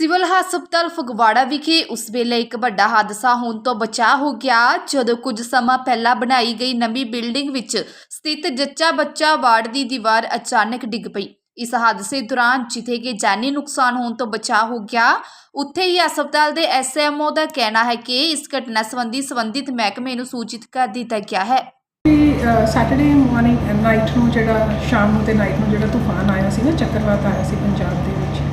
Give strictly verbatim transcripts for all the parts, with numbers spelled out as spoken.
Civil ਹਸਪਤਾਲ ਫਗਵਾੜਾ ਵਿਖੇ ਉਸ ਵੇਲੇ ਇੱਕ ਵੱਡਾ ਹਾਦਸਾ ਹੋਣ ਤੋਂ ਬਚਾ ਹੋ ਗਿਆ ਜਦੋਂ ਕੁਝ ਸਮਾਂ ਪਹਿਲਾਂ ਬਣਾਈ ਗਈ ਨਵੀਂ ਬਿਲਡਿੰਗ ਵਿੱਚ ਸਥਿਤ ਜੱਚਾ ਬੱਚਾ ਵਾਰਡ ਦੀ ਦੀਵਾਰ ਅਚਾਨਕ ਡਿੱਗ ਪਈ। ਇਸ ਹਾਦਸੇ ਦੌਰਾਨ ਜਿੱਥੇ ਕਿ ਜਾਨੀ ਨੁਕਸਾਨ ਹੋਣ ਤੋਂ ਬਚਾ ਹੋ ਗਿਆ, ਉੱਥੇ ਹੀ ਹਸਪਤਾਲ ਦੇ ਐਸ ਐਮ ਓ ਦਾ ਕਹਿਣਾ ਹੈ ਕਿ ਇਸ ਘਟਨਾ ਸੰਬੰਧੀ ਸੰਬੰਧਿਤ ਮਹਿਕਮੇ ਨੂੰ ਸੂਚਿਤ ਕਰ ਦਿੱਤਾ ਗਿਆ ਹੈ। ਸੈਟਰਡੇ ਮਾਰਨਿੰਗ ਨਾਈਟ ਨੂੰ ਜਿਹੜਾ ਸ਼ਾਮ ਨੂੰ ਤੇ ਨਾਈਟ ਨੂੰ ਜਿਹੜਾ ਤੂਫਾਨ ਆਇਆ ਸੀ ਨਾ, ਚੱਕਰਵਾਤ ਆਇਆ ਸੀ ਪੰਜਾਬ ਦੇ ਵਿੱਚ,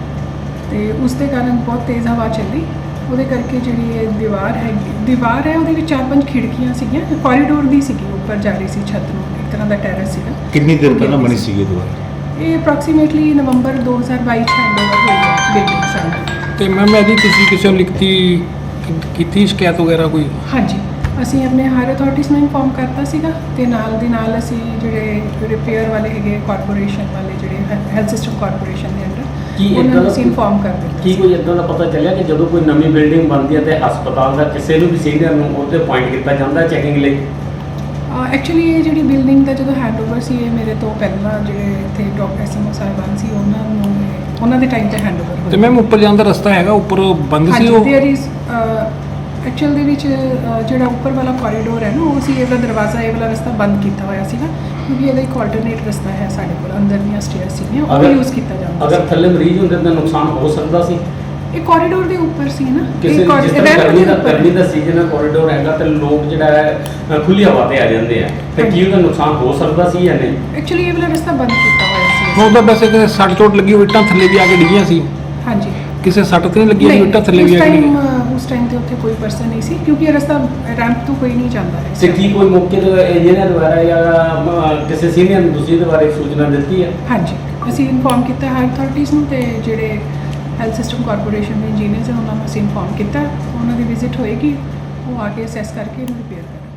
ਤੇ ਉਸ ਦੇ ਕਾਰਨ ਬਹੁਤ ਤੇਜ਼ ਹਵਾ ਚੱਲੀ। ਉਹਦੇ ਕਰਕੇ ਜਿਹੜੀ ਇਹ ਦੀਵਾਰ ਹੈਗੀ ਦੀਵਾਰ ਹੈ ਉਹਦੇ ਵਿੱਚ ਚਾਰ ਪੰਜ ਖਿੜਕੀਆਂ ਸੀਗੀਆਂ, ਕੋਰੀਡੋਰ ਦੀ ਸੀਗੀ, ਉੱਪਰ ਜਾ ਰਹੀ ਸੀ ਛੱਤ ਨੂੰ, ਇੱਕ ਤਰ੍ਹਾਂ ਦਾ ਟੈਰੇਸ ਸੀਗਾ। ਕਿੰਨੀ ਦੇਰ ਪਹਿਲਾਂ ਬਣੀ ਸੀ ਇਹ ਦੀਵਾਰ? ਇਹ ਅਪਰੋਕਸੀਮੇਟਲੀ ਨਵੰਬਰ ਦੋ ਹਜ਼ਾਰ ਬਾਈ ਚ ਹੈਂਡਓਵਰ ਹੋਈ ਹੈ ਬਿਲਡਿੰਗ ਸਾਨੂੰ। ਤੇ ਮੈਮ ਇਹਦੀ ਤੁਸੀਂ ਕਿਸੇ ਨੂੰ ਲਿਖਤੀ ਕੀਤੀ ਸ਼ਿਕਾਇਤ ਵਗੈਰਾ ਕੋਈ? ਹਾਂਜੀ, ਅਸੀਂ ਆਪਣੇ ਹਾਇਰ ਅਥਾਰਟੀਜ਼ ਨੂੰ ਇਨਫੋਰਮ ਕਰਤਾ ਸੀਗਾ, ਤੇ ਨਾਲ ਦੀ ਨਾਲ ਅਸੀਂ ਜਿਹੜੇ ਰਿਪੇਅਰ ਵਾਲੇ ਹੈਗੇ ਕਾਰਪੋਰੇਸ਼ਨ ਵਾਲੇ, ਜਿਹੜੇ ਹੈਲਥ ਸਿਸਟਮ ਕਾਰਪੋਰੇਸ਼ਨ ਦੇ ਅੰਡਰ, ਕੀ ਉਹਨਾਂ ਨੂੰ ਇੱਦਾਂ ਅਸੀਂ ਇਨਫੋਰਮ ਕਰ ਦਿੱਤਾ। ਕੀ ਕੋਈ ਇੱਦਾਂ ਦਾ ਪਤਾ ਚੱਲਿਆ ਕਿ ਜਦੋਂ ਕੋਈ ਨਵੀਂ ਬਿਲਡਿੰਗ ਬਣਦੀ ਹੈ ਤੇ ਹਸਪਤਾਲ ਦਾ ਕਿਸੇ ਨੂੰ ਵੀ ਸੀਨੀਅਰ ਨੂੰ ਉਹਦੇ ਪੁਆਇੰਟ ਕੀਤਾ ਜਾਂਦਾ ਚੈਕਿੰਗ ਲਈ? ਐਕਚੁਅਲੀ ਇਹ ਜਿਹੜੀ ਬਿਲਡਿੰਗ ਦਾ ਜਦੋਂ ਹੈਂਡਓਵਰ ਸੀ, ਇਹ ਮੇਰੇ ਤੋਂ ਪਹਿਲਾਂ ਜਿਹੜੇ ਇੱਥੇ ਡਾਕਟਰ ਐਸਐਮਓ ਸਾਹਿਬਾਨ ਸੀ, ਉਹਨਾਂ ਨੂੰ ਇਹ- ਉਹਨਾਂ ਦੇ ਟਾਈਮ ਤੇ ਹੈਂਡਓਵਰ ਹੋਇਆ। ਤੇ ਮੈਮ ਉੱਪਰ ਜਾਣ ਦਾ ਰਸਤਾ ਹੈਗਾ, ਉੱਪਰ ਬੰਦ ਸੀ ਹਾਂਜੀ, ਉਹ? ਦੇਅਰ ਇਜ਼ ਐਕਚੁਅਲ ਦੇ ਵਿੱਚ ਅ, ਜਿਹੜਾ ਉੱਪਰ ਵਾਲਾ ਕੋਰੀਡੋਰ ਹੈ ਨਾ, ਉਹ ਸੀ, ਇਹਦਾ ਦਰਵਾਜ਼ਾ, ਇਹ ਵਾਲਾ ਰਸਤਾ ਬੰਦ ਕੀਤਾ ਹੋਇਆ ਸੀ ਨਾ, ਕਿਉਂਕਿ ਇਹਦਾ ਇੱਕ ਆਲਟਰਨੇਟ ਰਸਤਾ ਹੈ ਸਾਡੇ ਕੋਲ, ਅੰਦਰ ਦੀਆਂ ਸਟੇਅਰ ਸੀਗੀਆਂ, ਉਹ ਅਗਰ- ਯੂਜ਼ ਕੀਤਾ ਜਾਂਦਾ ਅਗਰ ਸੀ। ਥੱਲੇ ਮਰੀਜ਼ ਹੁੰਦੇ ਤਾਂ ਨੁਕਸਾਨ ਹੋ ਸਕਦਾ ਸੀ। ਇਹ ਕੋਰੀਡੋਰ ਦੇ ਉੱਪਰ ਸੀ ਨਾ, ਕਿਸੇ ਇਹ ਜਿਸ ਕੋਰੀ- ਤਰ੍ਹਾਂ ਰੈਂਪ ਗਰਮੀ ਦੇ ਦਾ ਉੱਪਰ। ਗਰਮੀ ਦਾ ਸੀਜ਼ਨ ਹੈ, ਕੋਰੀਡੋਰ ਹੈਗਾ ਤੇ ਲੋਕ ਜਿਹੜਾ ਹੈ ਖੁੱਲੀ ਹਵਾ ਤੇ ਆ ਜਾਂਦੇ ਆ, ਤੇ ਕੀ ਉਹਦਾ ਨੁਕਸਾਨ ਹੋ ਸਕਦਾ ਸੀ ਜਾਂ ਨਹੀਂ? ਐਕਚੁਅਲੀ ਇਹ ਵਾਲਾ ਰਸਤਾ ਬੰਦ ਕੀਤਾ ਹੋਇਆ ਸੀ। ਉਹਦਾ ਵੈਸੇ ਕਿ ਸੱਟ ਚੋਟ ਲੱਗੀ ਹੋਈ, ਇੱਟਾਂ ਥੱਲੇ ਵੀ ਆ ਕੇ ਡਿੱਗੀਆਂ ਸੀ, ਹਾਂਜੀ, ਕਿਸੇ ਸੱਟ ਤੇ ਨਹੀਂ ਲੱਗੀ ਹੋਈ, ਇੱਟਾਂ ਥੱਲੇ ਵੀ ਉਸ ਆ ਕੇ ਟਾਈਮ ਡਿੱਗੀਆਂ? ਉਸ ਟਾਈਮ ਤੇ ਉੱਥੇ ਕੋਈ ਪਰਸਨ ਨਹੀਂ ਸੀ, ਕਿਉਂਕਿ ਇਹ ਰਸਤਾ ਰੈਂਪ ਤੋਂ ਕੋਈ ਨਹੀਂ ਜਾਂਦਾ ਹੈ। ਤੇ ਕੀ ਕੋਈ ਮੌਕੇ ਤੇ ਇੰਜੀਨੀਅਰ ਦੁਆਰਾ ਜਾਂ ਅਮ, ਕਿਸੇ ਸੀਨੀਅਰ ਨੂੰ ਦੂਸਰੀ ਦੇ ਬਾਰੇ ਸੂਚਨਾ ਦਿੱਤੀ ਹੈ? ਹਾਂਜੀ, ਅਸੀਂ ਇਨਫੋਰਮ ਕੀਤਾ ਹਾਇਰ ਅਥਾਰਟੀਜ਼ ਨੂੰ, ਤੇ ਜਿਹੜੇ ਹੈਲਥ ਸਿਸਟਮ ਕਾਰਪੋਰੇਸ਼ਨ ਦੇ ਇੰਜੀਨੀਅਰਸ ਹਨ ਉਹਨਾਂ ਨੂੰ ਅਸੀਂ ਇਨਫੋਰਮ ਕੀਤਾ। ਉਹਨਾਂ ਦੀ ਵਿਜ਼ਿਟ ਹੋਏਗੀ, ਉਹ ਆ ਕੇ ਅਸੈਸ ਕਰਕੇ ਇਹਨੂੰ ਰਿਪੇਅਰ ਕਰਨਗੇ।